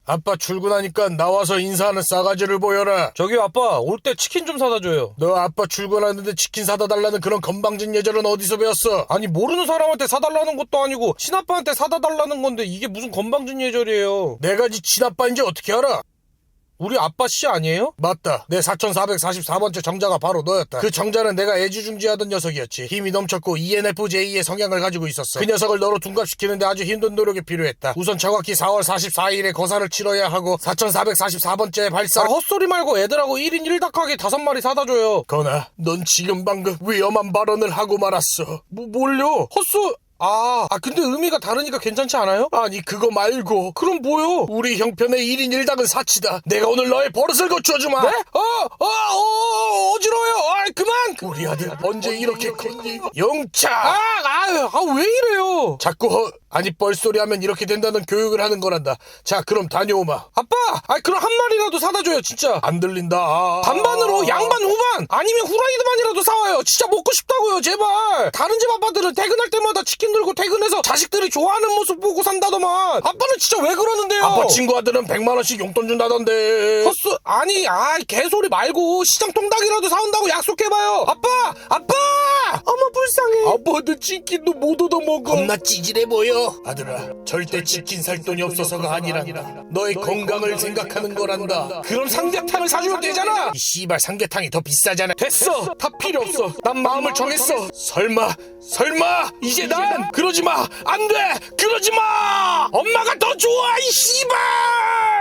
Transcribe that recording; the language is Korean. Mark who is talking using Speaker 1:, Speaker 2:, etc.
Speaker 1: 아빠 출근하니까 나와서 인사하는 싸가지를 보여라.
Speaker 2: 저기요 아빠, 올 때 치킨 좀 사다 줘요.
Speaker 1: 너 아빠 출근하는데 치킨 사다 달라는 그런 건방진 예절은 어디서 배웠어?
Speaker 2: 아니 모르는 사람한테 사달라는 것도 아니고 친아빠한테 사다 달라는 건데 이게 무슨 건방진 예절이에요.
Speaker 1: 내가 네 친아빠인지 어떻게 알아?
Speaker 2: 우리 아빠 씨 아니에요?
Speaker 1: 맞다. 내 4444번째 정자가 바로 너였다. 그 정자는 내가 애지중지하던 녀석이었지. 힘이 넘쳤고 ENFJ의 성향을 가지고 있었어. 그 녀석을 너로 둔갑시키는데 아주 힘든 노력이 필요했다. 우선 정확히 4월 44일에 거사를 치러야 하고 4444번째 발사.
Speaker 2: 헛소리 말고 애들하고 1인 1닭하게 5마리 사다 줘요.
Speaker 1: 건아, 넌 지금 방금 위험한 발언을 하고 말았어.
Speaker 2: 뭘요? 근데 의미가 다르니까 괜찮지 않아요?
Speaker 1: 아니 그거 말고
Speaker 2: 그럼 뭐요?
Speaker 1: 우리 형편의 1인 1닭은 사치다. 내가 오늘 너의 버릇을 고쳐주마.
Speaker 2: 네? 어지러워요. 그만.
Speaker 1: 우리 아들 언제 이렇게 컸니? 영차.
Speaker 2: 왜 이래요?
Speaker 1: 자꾸 아니 뻘소리 하면 이렇게 된다는 교육을 하는 거란다. 자 그럼 다녀오마.
Speaker 2: 아빠, 그럼 한 마리라도 사다 줘요, 진짜.
Speaker 1: 안 들린다.
Speaker 2: 반반으로 양반 후반 아니면 후라이드만이라도 사와요. 진짜 먹고 싶다고요, 제발. 다른 집 아빠들은 퇴근할 때마다 치킨 들고 퇴근해서 자식들이 좋아하는 모습 보고 산다더만. 아빠는 진짜 왜 그러는데요?
Speaker 1: 아빠 친구 아들은 100만 원씩 용돈 준다던데.
Speaker 2: 개소리 말고 시장 통닭이라도 사온다고 약속해봐요. 아빠! 어머 불쌍해.
Speaker 1: 아빠도 치킨도 못 얻어먹어. 겁나 찌질해 보여. 아들아, 절대 치킨 살 돈이 없어서가 아니란다. 너의 건강을 생각하는 거란다.
Speaker 2: 그럼 삼계탕을 사주면 되잖아.
Speaker 1: 이 씨발 삼계탕이 더 비싸잖아.
Speaker 2: 됐어. 다 필요 없어. 난 마음을 정했어.
Speaker 1: 설마 이제 난 그러지 마. 안 돼. 그러지 마.
Speaker 2: 엄마가 더 좋아, 이 씨발.